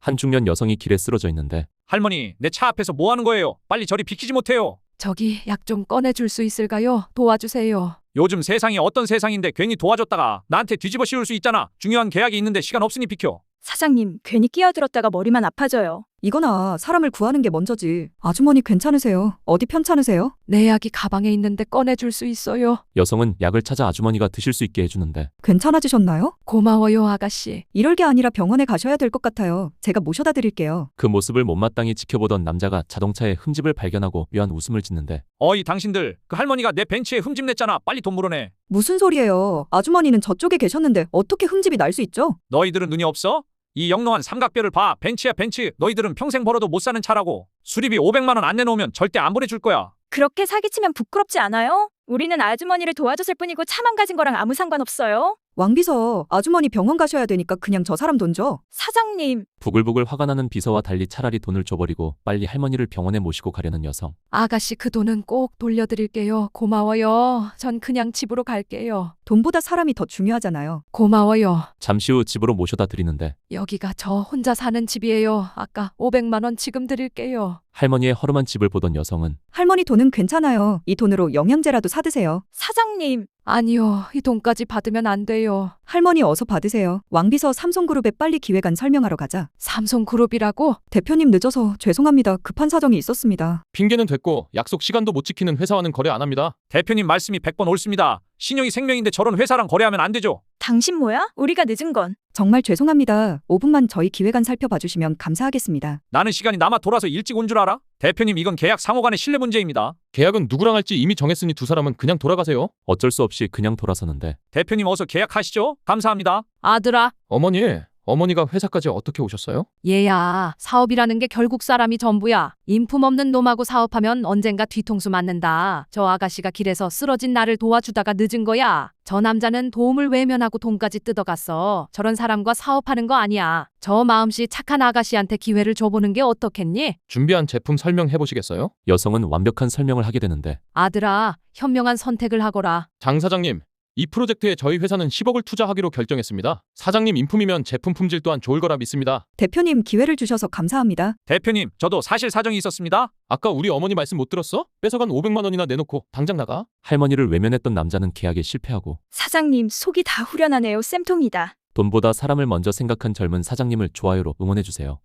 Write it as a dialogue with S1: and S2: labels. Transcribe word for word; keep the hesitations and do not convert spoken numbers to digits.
S1: 한 중년 여성이 길에 쓰러져 있는데
S2: 할머니, 내 차 앞에서 뭐 하는 거예요? 빨리 저리 비키지 못해요.
S3: 저기 약 좀 꺼내줄 수 있을까요? 도와주세요.
S2: 요즘 세상이 어떤 세상인데 괜히 도와줬다가 나한테 뒤집어 씌울 수 있잖아. 중요한 계약이 있는데 시간 없으니 비켜.
S4: 사장님, 괜히 끼어들었다가 머리만 아파져요.
S5: 이거나 사람을 구하는 게 먼저지. 아주머니 괜찮으세요? 어디 편찮으세요?
S3: 내 약이 가방에 있는데 꺼내줄 수 있어요.
S1: 여성은 약을 찾아 아주머니가 드실 수 있게 해주는데
S5: 괜찮아지셨나요?
S3: 고마워요, 아가씨.
S5: 이럴 게 아니라 병원에 가셔야 될 것 같아요. 제가 모셔다 드릴게요.
S1: 그 모습을 못마땅히 지켜보던 남자가 자동차에 흠집을 발견하고 묘한 웃음을 짓는데
S2: 어이 당신들, 그 할머니가 내 벤츠에 흠집 냈잖아. 빨리 돈 물어내.
S5: 무슨 소리예요? 아주머니는 저쪽에 계셨는데 어떻게 흠집이 날 수 있죠?
S2: 너희들은 눈이 없어? 이 영롱한 삼각뼈를 봐. 벤츠야 벤츠. 너희들은 평생 벌어도 못 사는 차라고. 수리비 오백만 원 안 내놓으면 절대 안 보내줄 거야.
S4: 그렇게 사기치면 부끄럽지 않아요? 우리는 아주머니를 도와줬을 뿐이고 차 망가진 거랑 아무 상관없어요.
S5: 왕비서, 아주머니 병원 가셔야 되니까 그냥 저 사람 돈 줘.
S4: 사장님,
S1: 부글부글 화가 나는 비서와 달리 차라리 돈을 줘버리고 빨리 할머니를 병원에 모시고 가려는 여성.
S3: 아가씨 그 돈은 꼭 돌려드릴게요. 고마워요. 전 그냥 집으로 갈게요.
S5: 돈보다 사람이 더 중요하잖아요.
S3: 고마워요.
S1: 잠시 후 집으로 모셔다 드리는데
S3: 여기가 저 혼자 사는 집이에요. 아까 오백만 원 지금 드릴게요.
S1: 할머니의 허름한 집을 보던 여성은
S5: 할머니 돈은 괜찮아요. 이 돈으로 영양제라도 사드세요.
S4: 사장님,
S3: 아니요. 이 돈까지 받으면 안 돼요.
S5: 할머니 어서 받으세요. 왕비서 삼성그룹에 빨리 기획안 설명하러 가자.
S3: 삼성그룹이라고?
S5: 대표님 늦어서 죄송합니다. 급한 사정이 있었습니다.
S6: 핑계는 됐고 약속 시간도 못 지키는 회사와는 거래 안 합니다.
S2: 대표님 말씀이 백 번 옳습니다. 신용이 생명인데 저런 회사랑 거래하면 안 되죠.
S4: 당신 뭐야? 우리가 늦은 건.
S5: 정말 죄송합니다. 오 분만 저희 기획안 살펴봐 주시면 감사하겠습니다.
S2: 나는 시간이 남아 돌아서 일찍 온 줄 알아? 대표님 이건 계약 상호 간의 신뢰 문제입니다.
S6: 계약은 누구랑 할지 이미 정했으니 두 사람은 그냥 돌아가세요.
S1: 어쩔 수 없이 그냥 돌아서는데
S2: 대표님 어서 계약하시죠. 감사합니다.
S3: 아들아,
S6: 어머니, 어머니가 회사까지 어떻게 오셨어요?
S3: 얘야. 사업이라는 게 결국 사람이 전부야. 인품 없는 놈하고 사업하면 언젠가 뒤통수 맞는다. 저 아가씨가 길에서 쓰러진 나를 도와주다가 늦은 거야. 저 남자는 도움을 외면하고 돈까지 뜯어갔어. 저런 사람과 사업하는 거 아니야. 저 마음씨 착한 아가씨한테 기회를 줘보는 게 어떻겠니?
S6: 준비한 제품 설명해 보시겠어요?
S1: 여성은 완벽한 설명을 하게 되는데
S3: 아들아, 현명한 선택을 하거라.
S6: 장 사장님, 이 프로젝트에 저희 회사는 십억을 투자하기로 결정했습니다. 사장님 인품이면 제품 품질 또한 좋을 거라 믿습니다.
S5: 대표님 기회를 주셔서 감사합니다.
S2: 대표님 저도 사실 사정이 있었습니다.
S6: 아까 우리 어머니 말씀 못 들었어? 뺏어간 오백만 원이나 내놓고 당장 나가.
S1: 할머니를 외면했던 남자는 계약에 실패하고
S4: 사장님, 속이 다 후련하네요. 쌤통이다.
S1: 돈보다 사람을 먼저 생각한 젊은 사장님을 좋아요로 응원해주세요.